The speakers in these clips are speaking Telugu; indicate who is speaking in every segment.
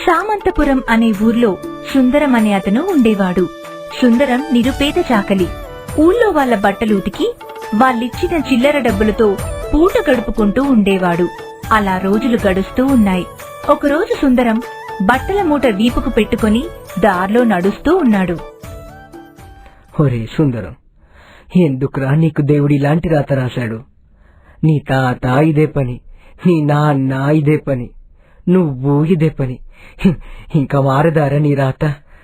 Speaker 1: సామంతపురం అనే ఊర్లో సుందరం అనే అతను ఉండేవాడు. సుందరం నిరుపేద చాకలి. ఊళ్ళో వాళ్ల బట్టలు ఉతికి వాళ్ళిచ్చిన చిల్లర డబ్బులతో పూట గడుపుకుంటూ ఉండేవాడు. అలా రోజులు గడుస్తూ ఉన్నాయి. ఒకరోజు సుందరం బట్టల మూట వీపుకు పెట్టుకుని దారిలో నడుస్తూ ఉన్నాడు.
Speaker 2: ఒరే సుందరం, ఎందుకురా నీకు దేవుడు ఇలాంటి రాత రాశాడు? నీ తాత ఇదే పని, నీ నాన్న ఇదే పని, నువ్వు ఇదే పని. ఇంకా మారదారా నీ రాత?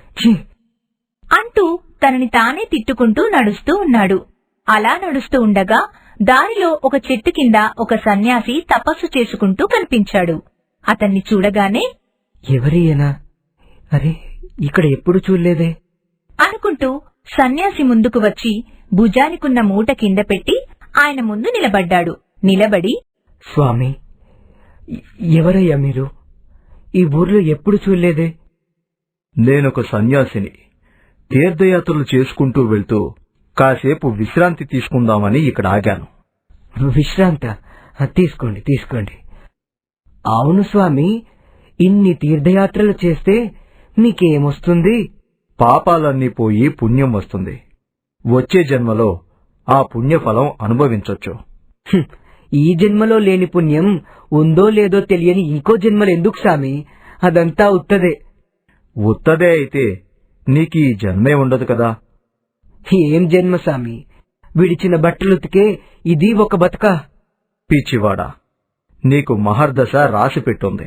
Speaker 1: అంటూ తనని తానే తిట్టుకుంటూ నడుస్తూ ఉన్నాడు. అలా నడుస్తూ ఉండగా దారిలో ఒక చెట్టు కింద ఒక సన్యాసి తపస్సు చేసుకుంటూ కనిపించాడు. అతన్ని చూడగానే
Speaker 2: ఎవరియనా? అరే, ఇక్కడ ఎప్పుడు చూడలేదే
Speaker 1: అనుకుంటూ సన్యాసి ముందుకు వచ్చి భుజానికున్న మూట కింద పెట్టి ఆయన ముందు నిలబడ్డాడు. నిలబడి,
Speaker 2: స్వామి, ఎవరయ్యా మీరు? ఈ ఊర్లో ఎప్పుడు చూడలేదే.
Speaker 3: నేనొక సన్యాసిని. తీర్థయాత్రలు చేసుకుంటూ వెళ్తూ కాసేపు విశ్రాంతి తీసుకుందామని ఇక్కడ ఆగాను.
Speaker 2: విశ్రాంత? తీసుకోండి తీసుకోండి. అవును స్వామి, ఇన్ని తీర్థయాత్రలు చేస్తే మీకేమొస్తుంది?
Speaker 3: పాపాలన్నీ పోయి పుణ్యం వస్తుంది. వచ్చే జన్మలో ఆ పుణ్యఫలం అనుభవించొచ్చు.
Speaker 2: ఈ జన్మలో లేని పుణ్యం ఉందో లేదో తెలియని ఇంకో జన్మలు ఎందుకు స్వామి? అదంతా ఉత్తదే.
Speaker 3: ఉత్తదే అయితే నీకీ జన్మే ఉండదు కదా.
Speaker 2: ఏం జన్మ స్వామి? విడిచిన బట్టలుతికే ఇది ఒక బతుక?
Speaker 3: పిచ్చివాడా, నీకు మహర్దశ రాసి పెట్టుంది.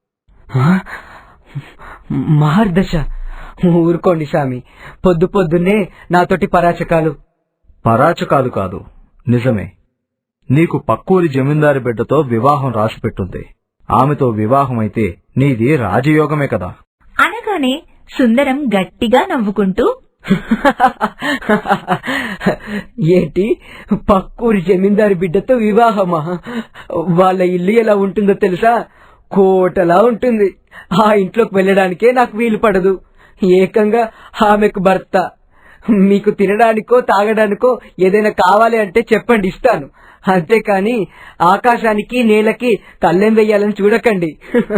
Speaker 2: మహర్దశ? ఊరుకోండి స్వామి, పొద్దు పొద్దున్నే నాతోటి పరాచకాలు.
Speaker 3: పరాచకాలు కాదు, నిజమే. నీకు పక్కూరి జమీందారి బిడ్డతో వివాహం రాసి పెట్టుంది. ఆమెతో వివాహం అయితే నీది రాజయోగమే కదా.
Speaker 1: అనగానే సుందరం గట్టిగా నవ్వుకుంటూ,
Speaker 2: ఏంటి, పక్కూరి జమీందారి బిడ్డతో వివాహమా? వాళ్ళ ఇల్లు ఎలా ఉంటుందో తెలుసా? కోటలా ఉంటుంది. ఆ ఇంట్లోకి వెళ్ళడానికే నాకు వీలు పడదు. ఏకంగా ఆమెకు భర్త. మీకు తినడానికో తాగడానికో ఏదైనా కావాలి అంటే చెప్పండి, ఇస్తాను. అంతేకాని ఆకాశానికి నేలకి కళ్ళెం వెయ్యాలని చూడకండి.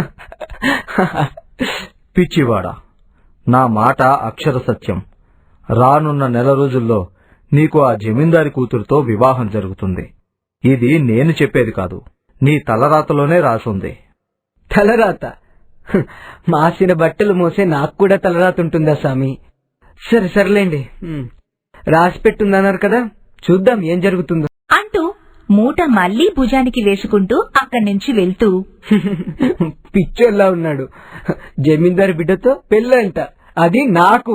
Speaker 3: పిచ్చివాడా, నా మాట అక్షర సత్యం. రానున్న నెల రోజుల్లో నీకు ఆ జమీందారి కూతురుతో వివాహం జరుగుతుంది. ఇది నేను చెప్పేది కాదు, నీ తలరాతలోనే రాసుంది.
Speaker 2: తలరాత? మాసిన బట్టలు మోసే నాకు కూడా తలరాత ఉంటుందా స్వామి? సర్లేండి, రాసి పెట్టుందన్నారు కదా, చూద్దాం ఏం జరుగుతుందో
Speaker 1: అంటూ మూట మళ్లీ భుజానికి వేసుకుంటూ అక్కడి నుంచి వెళ్తూ,
Speaker 2: పిచ్చోల్లా ఉన్నాడు. జమీందారు బిడ్డతో పెళ్ళంట, అది నాకు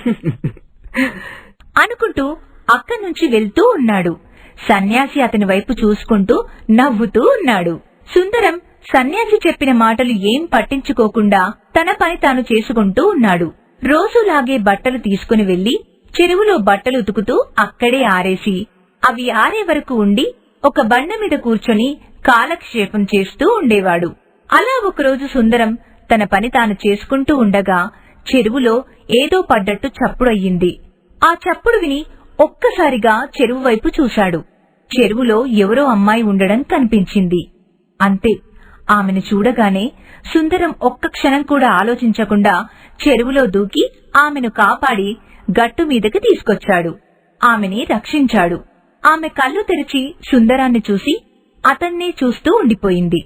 Speaker 1: అనుకుంటూ అక్కడి నుంచి వెళ్తూ ఉన్నాడు. సన్యాసి అతని వైపు చూసుకుంటూ నవ్వుతూ ఉన్నాడు. సుందరం సన్యాసి చెప్పిన మాటలు ఏం పట్టించుకోకుండా తన పని తాను చేసుకుంటూ ఉన్నాడు. రోజులాగే బట్టలు తీసుకుని వెళ్లి చెరువులో బట్టలు ఉతుకుతూ అక్కడే ఆరేసి అవి ఆరే వరకు ఉండి ఒక బండ మీద కూర్చొని కాలక్షేపం చేస్తూ ఉండేవాడు. అలా ఒకరోజు సుందరం తన పని తాను చేసుకుంటూ ఉండగా చెరువులో ఏదో పడ్డట్టు చప్పుడు అయ్యింది. ఆ చప్పుడు విని ఒక్కసారిగా చెరువు వైపు చూశాడు. చెరువులో ఎవరో అమ్మాయి ఉండడం కనిపించింది. అంతే, ఆమెను చూడగానే సుందరం ఒక్క క్షణం కూడా ఆలోచించకుండా చెరువులో దూకి ఆమెను కాపాడి గట్టు మీదకి తీసుకొచ్చాడు. ఆమెని రక్షించాడు. ఆమె కళ్ళు తెరిచి సుందరాన్ని చూసి అతన్నే చూస్తూ ఉండిపోయింది.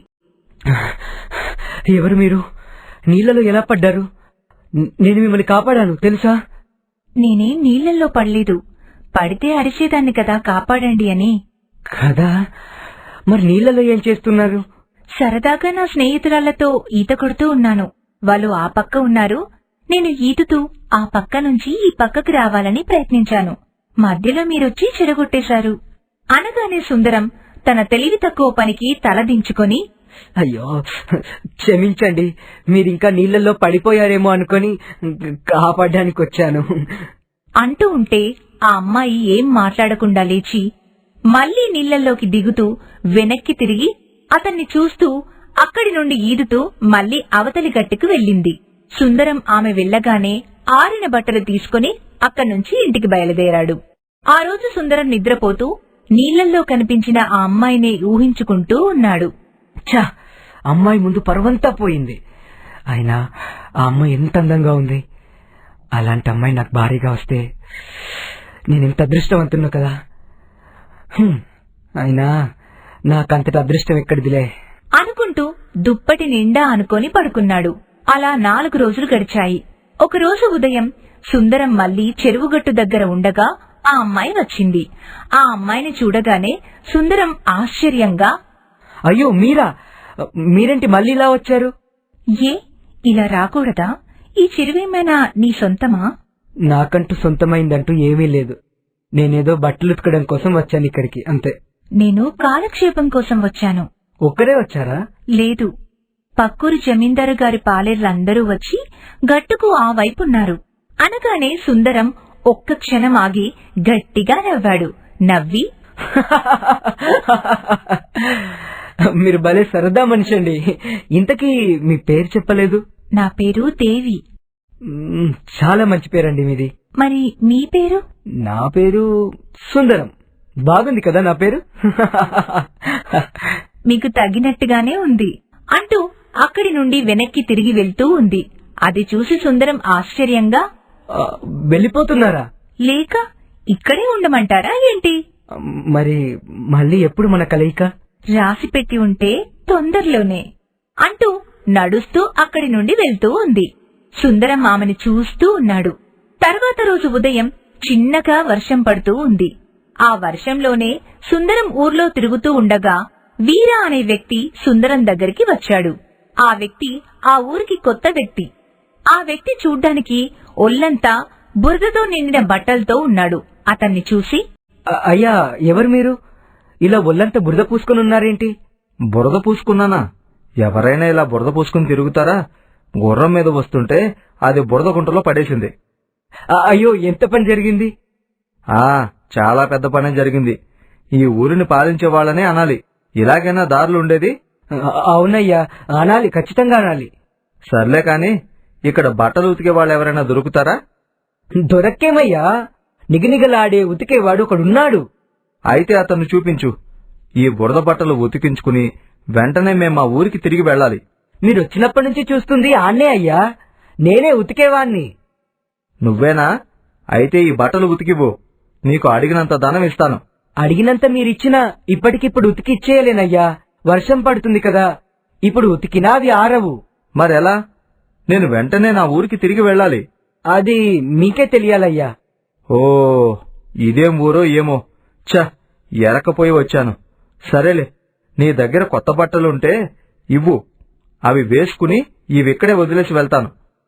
Speaker 2: ఎవరు మీరు? నీళ్లలో ఎలా పడ్డారు? నేను మిమ్మల్ని కాపాడాను తెలుసా?
Speaker 1: నేనేం నీళ్లలో పడలేదు. పడితే అరిచేదాన్ని కదా కాపాడండి అని.
Speaker 2: కదా, మరి నీళ్లలో ఏం చేస్తున్నారు?
Speaker 1: సరదాగా నా స్నేహితురాళ్లతో ఈత కొడుతూ ఉన్నాను. వాళ్ళు ఆ పక్క ఉన్నారు. నేను ఈదుతూ ఆ పక్క నుంచి ఈ పక్కకు రావాలని ప్రయత్నించాను. మధ్యలో మీరొచ్చి చెడగొట్టేశారు. అనగానే సుందరం తన తెలివి తక్కువ పనికి తలదించుకొని,
Speaker 2: అయ్యో క్షమించండి, మీరింకా నీళ్లలో పడిపోయారేమో అనుకుని కాపాడడానికి వచ్చాను
Speaker 1: అంటూ ఉంటే ఆ అమ్మాయి ఏం మాట్లాడకుండా లేచి మళ్లీ నీళ్లలోకి దిగుతూ వెనక్కి తిరిగి అతన్ని చూస్తూ అక్కడి నుండి ఈదుతూ మళ్లీ అవతలి గట్టుకు వెళ్ళింది. సుందరం ఆమె వెళ్లగానే ఆరిన బట్టలు తీసుకుని అక్కడ్నుంచి ఇంటికి బయలుదేరాడు. ఆ రోజు సుందరం నిద్రపోతూ నీళ్లల్లో కనిపించిన ఆ అమ్మాయినే ఊహించుకుంటూ ఉన్నాడు.
Speaker 2: ఛ, అమ్మాయి ముందు పరువంతా పోయింది. అయినా ఆ అమ్మాయి ఎంత అందంగా ఉంది. అలాంటి అమ్మాయి నాకు భారీగా వస్తే నేనెంత అదృష్టవంతున్నా కదా. అయినా నాకంతటి అదృష్టం ఎక్కడిదిలే
Speaker 1: అనుకుంటూ దుప్పటి నిండా అనుకొని పడుకున్నాడు. అలా 4 రోజులు గడిచాయి. ఒకరోజు ఉదయం సుందరం మళ్లీ చెరువుగట్టు దగ్గర ఉండగా ఆ అమ్మాయి వచ్చింది. ఆ అమ్మాయిని చూడగానే సుందరం ఆశ్చర్యంగా,
Speaker 2: అయ్యో మీరేంటి మళ్ళీ ఇలా వచ్చారు?
Speaker 1: ఏ ఇలా రాకూడదా? ఈ చెరువేమైనా నీ సొంతమా?
Speaker 2: నాకంటూ సొంతమైందంటూ ఏమీ లేదు. నేనేదో బట్టలు ఉతకడం కోసం వచ్చాను ఇక్కడికి, అంతే.
Speaker 1: నేను కాలక్షేపం కోసం వచ్చాను.
Speaker 2: ఒక్కరే వచ్చారా?
Speaker 1: లేదు, పక్కూరి జమీందారు గారి పాలేర్లందరూ వచ్చి గట్టుకు ఆ వైపున్నారు. అనగానే సుందరం ఒక్క క్షణం ఆగి గట్టిగా నవ్వాడు. నవ్వి,
Speaker 2: మీరు భలే సరదా మనిషి అండి. ఇంతకీ మీ పేరు చెప్పలేదు?
Speaker 1: నా పేరు దేవి.
Speaker 2: చాలా మంచి పేరండి మీది.
Speaker 1: మరి మీ పేరు?
Speaker 2: నా పేరు సుందరం. బాగుంది కదా నా పేరు?
Speaker 1: మీకు తగినట్టుగానే ఉంది అంటూ అక్కడి నుండి వెనక్కి తిరిగి వెళ్తూ ఉంది. అది చూసి సుందరం ఆశ్చర్యంగా,
Speaker 2: వెళ్ళిపోతున్నారా?
Speaker 1: లేక ఇక్కడే ఉండమంటారా ఏంటి?
Speaker 2: మరి మళ్ళీ ఎప్పుడు మన కలయిక?
Speaker 1: రాసిపెట్టి ఉంటే తొందరలోనే అంటూ నడుస్తూ అక్కడి నుండి వెళ్తూ ఉంది. సుందరం ఆమెను చూస్తూ ఉన్నాడు. తర్వాత రోజు ఉదయం చిన్నగా వర్షం పడుతూ ఉంది. ఆ వర్షంలోనే సుందరం ఊర్లో తిరుగుతూ ఉండగా వీర అనే వ్యక్తి సుందరం దగ్గరికి వచ్చాడు. ఆ వ్యక్తి ఆ ఊరికి కొత్త వ్యక్తి. ఆ వ్యక్తి చూడ్డానికి ఒళ్లంతా బురదతో నిండిన బట్టలతో ఉన్నాడు. అతన్ని చూసి,
Speaker 2: అయ్యా ఎవరు మీరు? ఇలా ఒళ్లంతా బురద పూసుకుని ఉన్నారేంటి?
Speaker 3: బురద పూసుకున్నానా? ఎవరైనా ఇలా బురద పూసుకుని తిరుగుతారా? గుర్రం మీద వస్తుంటే అది బురద గుంటలో పడేసింది.
Speaker 2: అయ్యో, ఎంత పని జరిగింది?
Speaker 3: చాలా పెద్ద పనే జరిగింది. ఈ ఊరిని పాలించే వాళ్ళనే అనాలి. ఇలాగైనా దారులు ఉండేది?
Speaker 2: అవునయ్యా, అనాలి, ఖచ్చితంగా అనాలి.
Speaker 3: సర్లే కాని ఇక్కడ బట్టలు ఉతికే వాళ్ళు ఎవరైనా దొరుకుతారా?
Speaker 2: దొరక్కేమయ్యా, నిగనిగలాడే ఉతికేవాడు ఒకడున్నాడు.
Speaker 3: అయితే అతన్ని చూపించు. ఈ బురద బట్టలు ఉతికించుకుని వెంటనే మేం మా ఊరికి తిరిగి వెళ్ళాలి.
Speaker 2: మీరొచ్చినప్పటి నుంచి చూస్తుంది ఆన్నే అయ్యా, నేనే ఉతికేవాణ్ణి.
Speaker 3: నువ్వేనా? అయితే ఈ బట్టలు ఉతికివ్వు. నీకు అడిగినంత ధనం ఇస్తాను.
Speaker 2: అడిగినంత మీరిచ్చినా ఇప్పటికిప్పుడు ఉతికి ఇచ్చేయలేనయ్యా. వర్షం పడుతుంది కదా, ఇప్పుడు ఉతికినా అవి ఆరవు.
Speaker 3: మరెలా? నేను వెంటనే నా ఊరికి తిరిగి వెళ్ళాలి.
Speaker 2: అది మీకే తెలియాలయ్యా.
Speaker 3: ఓ, ఇదేం ఊరో ఏమో. ఎరకపోయి వచ్చాను. సరేలే, నీ దగ్గర కొత్త బట్టలుంటే ఇవ్వు. అవి వేసుకుని ఇవిక్కడే వదిలేసి వెళ్తాను.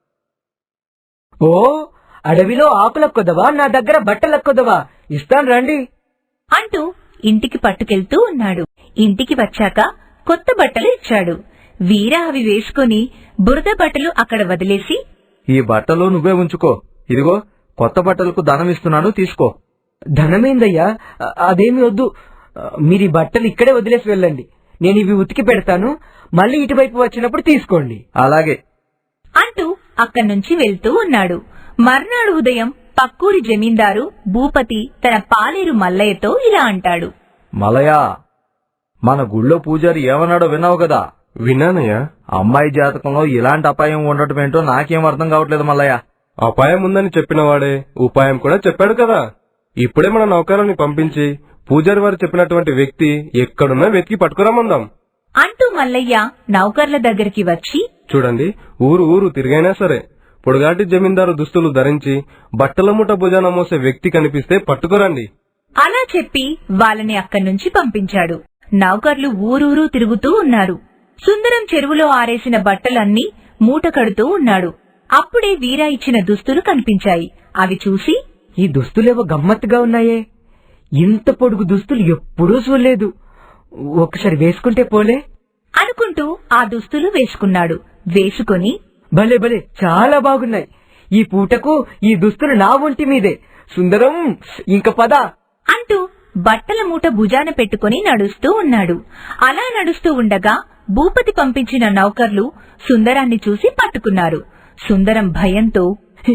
Speaker 2: ఓ, అడవిలో ఆకులక్కొదవా, నా దగ్గర బట్టలక్కొదవా? ఇస్తాను రండి
Speaker 1: అంటూ ఇంటికి పట్టుకెళ్తూ ఉన్నాడు. ఇంటికి వచ్చాక కొత్త బట్టలు ఇచ్చాడు. వీర అవి వేసుకుని బురద బట్టలు అక్కడ వదిలేసి,
Speaker 3: ఈ బట్టలు నువ్వే ఉంచుకో. ఇదిగో కొత్త బట్టలకు ధనం ఇస్తున్నాను, తీసుకో.
Speaker 2: ధనమేందయ్యా? అదేమి వద్దు. మీరు ఈ బట్టలు ఇక్కడే వదిలేసి వెళ్ళండి. నేను ఇవి ఉతికి పెడతాను. మళ్ళీ ఇటువైపు వచ్చినప్పుడు తీసుకోండి.
Speaker 3: అలాగే
Speaker 1: అంటూ అక్కడి నుంచి వెళ్తూ ఉన్నాడు. మర్నాడు ఉదయం పక్కూరి జమీందారు భూపతి తన పాలేరు మల్లయ్యతో ఇలా అంటాడు.
Speaker 3: మలయా, మన గుళ్ళో పూజారి ఏమన్నాడో విన్నావు కదా?
Speaker 4: విన్నానయ్యా.
Speaker 3: అమ్మాయి జాతకంలో ఇలాంటి అపాయం ఉండటం ఏంటో నాకేం అర్థం కావట్లేదు మల్లయ్య.
Speaker 4: అపాయం ఉందని చెప్పినవాడే ఉపాయం కూడా చెప్పాడు కదా. ఇప్పుడే మన నౌకరాన్ని పంపించి పూజారి వారు చెప్పినటువంటి వ్యక్తి ఎక్కడున్నా వెతికి పట్టుకురామందాం
Speaker 1: అంటూ మల్లయ్య నౌకర్ల దగ్గరికి వచ్చి,
Speaker 4: చూడండి, ఊరు తిరిగైనా సరే పొడుగాటి జమీందారు దుస్తులు ధరించి బట్టల మూట భుజాన మోసే వ్యక్తి కనిపిస్తే పట్టుకురండి.
Speaker 1: అలా చెప్పి వాళ్ళని అక్కడి నుంచి పంపించాడు. నౌకర్లు ఊరూరు తిరుగుతూ ఉన్నారు. సుందరం చెరువులో ఆరేసిన బట్టలన్నీ మూట కడుతూ ఉన్నాడు. అప్పుడే వీరా ఇచ్చిన దుస్తులు కనిపించాయి. అవి చూసి,
Speaker 2: ఈ దుస్తులేవో గమ్మత్తుగా ఉన్నాయే. ఇంత పొడుగు దుస్తులు ఎప్పుడూ చూడలేదు. ఒకసారి వేసుకుంటే పోలే
Speaker 1: అనుకుంటూ ఆ దుస్తులు వేసుకున్నాడు. వేసుకుని,
Speaker 2: భలే భలే, చాలా బాగున్నాయి. ఈ పూటకు ఈ దుస్తులు నా ఒంటి మీదే. సుందరం, ఇంక పద
Speaker 1: అంటూ బట్టల మూట భుజాన పెట్టుకుని నడుస్తూ ఉన్నాడు. అలా నడుస్తూ ఉండగా భూపతి పంపించిన నౌకర్లు సుందరాన్ని చూసి పట్టుకున్నారు. సుందరం భయంతో,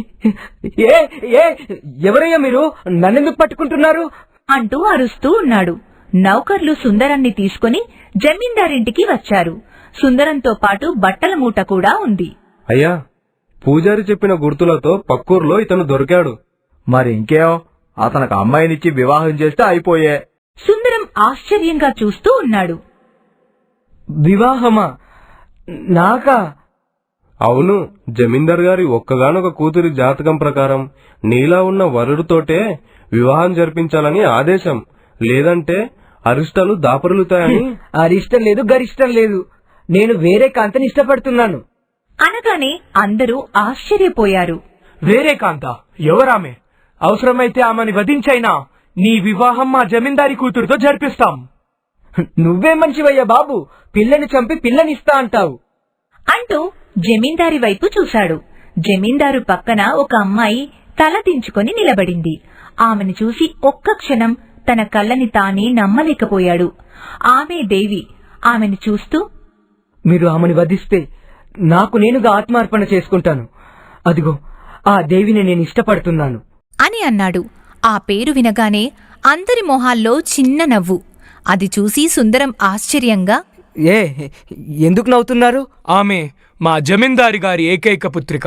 Speaker 2: ఎవరయ్యా మీరు? నన్నెందుకు పట్టుకుంటున్నారు?
Speaker 1: అంటూ అరుస్తూ ఉన్నాడు. నౌకర్లు సుందరాన్ని తీసుకుని జమీందారింటికి వచ్చారు. సుందరంతో పాటు బట్టల మూట కూడా ఉంది.
Speaker 4: అయ్యా, పూజారి చెప్పిన గుర్తులతో పక్కూర్లో ఇతను దొరికాడు.
Speaker 3: మరి ఇంకేం, అతనికి అమ్మాయినిచ్చి వివాహం చేస్తే అయిపోయే.
Speaker 1: సుందరం ఆశ్చర్యంగా చూస్తూ ఉన్నాడు.
Speaker 2: వివాహమా? నాకా?
Speaker 4: అవును, జమీందార్ గారి ఒక్కగానొక కూతురి జాతకం ప్రకారం నీలా ఉన్న వరుడితోటే వివాహం జరిపించాలని ఆదేశం. లేదంటే అరిష్టాలు దాపరులుతాయని.
Speaker 2: అరిష్టం లేదు, గరిష్టం లేదు. నేను వేరే కాంతని ఇష్టపడుతున్నాను.
Speaker 1: అనగానే అందరూ ఆశ్చర్యపోయారు.
Speaker 5: వేరే కాంత? ఎవరామె? అవసరమైతే ఆమెని వధించైనా నీ వివాహం మా జమీందారి కూతురుతో జరిపిస్తాం.
Speaker 2: నువ్వే మంచివయ్యా బాబు, పిల్లని చంపి పిల్లనిస్తా అంటావు
Speaker 1: అంటూ జమీందారి వైపు చూశాడు. జమీందారు పక్కన ఒక అమ్మాయి తల దించుకొని నిలబడింది. ఆమెను చూసి ఒక్క క్షణం తన కళ్ళని తానే నమ్మలేకపోయాడు. ఆమె దేవి. ఆమెను చూస్తూ,
Speaker 2: మీరు ఆమెను వధిస్తే నాకు నేనుగా ఆత్మార్పణ చేసుకుంటాను. అదిగో ఆ దేవిని నేను ఇష్టపడుతున్నాను
Speaker 6: అని అన్నాడు. ఆ పేరు వినగానే అందరి మొహాల్లో చిన్న నవ్వు. అది చూసి సుందరం ఆశ్చర్యంగా,
Speaker 2: ఎందుకు నవ్వుతున్నారు?
Speaker 5: ఆమె మా జమీందారి గారి ఏకైక పుత్రిక.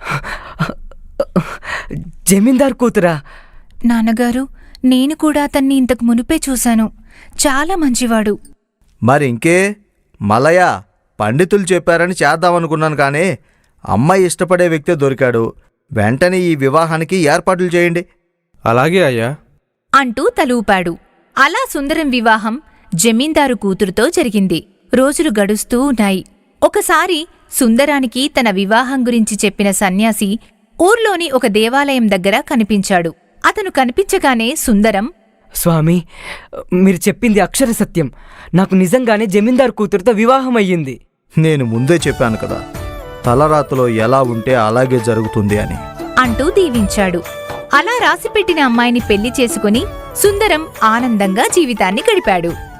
Speaker 2: జమీందార్ కూతురా?
Speaker 6: నాన్నగారు, నేను కూడా అతన్ని ఇంతకు మునుపే చూశాను. చాలా మంచివాడు.
Speaker 3: మరి ఇంకే, మలయ పండితులు చెప్పారని చేద్దామనుకున్నాను కానీ అమ్మాయి ఇష్టపడే వ్యక్తే దొరికాడు. వెంటనే ఈ వివాహానికి ఏర్పాట్లు చేయండి.
Speaker 4: అలాగే అయ్యా
Speaker 6: అంటూ తలూపాడు. అలా సుందరం వివాహం జమీందారు కూతురుతో జరిగింది. రోజులు గడుస్తూ ఉన్నాయి. ఒకసారి సుందరానికి తన వివాహం గురించి చెప్పిన సన్యాసి ఊర్లోని ఒక దేవాలయం దగ్గర కనిపించాడు. అతను కనిపించగానే సుందరం,
Speaker 2: స్వామి, మీరు చెప్పింది అక్షర సత్యం. నాకు నిజంగానే జమీందార్ కూతురుతో వివాహం అయ్యింది.
Speaker 3: నేను ముందే చెప్పాను కదా, తలరాతలో ఎలా ఉంటే అలాగే జరుగుతుంది అని
Speaker 6: అంటూ దీవించాడు. అలా రాసిపెట్టిన అమ్మాయిని పెళ్లి చేసుకుని సుందరం ఆనందంగా జీవితాన్ని గడిపాడు.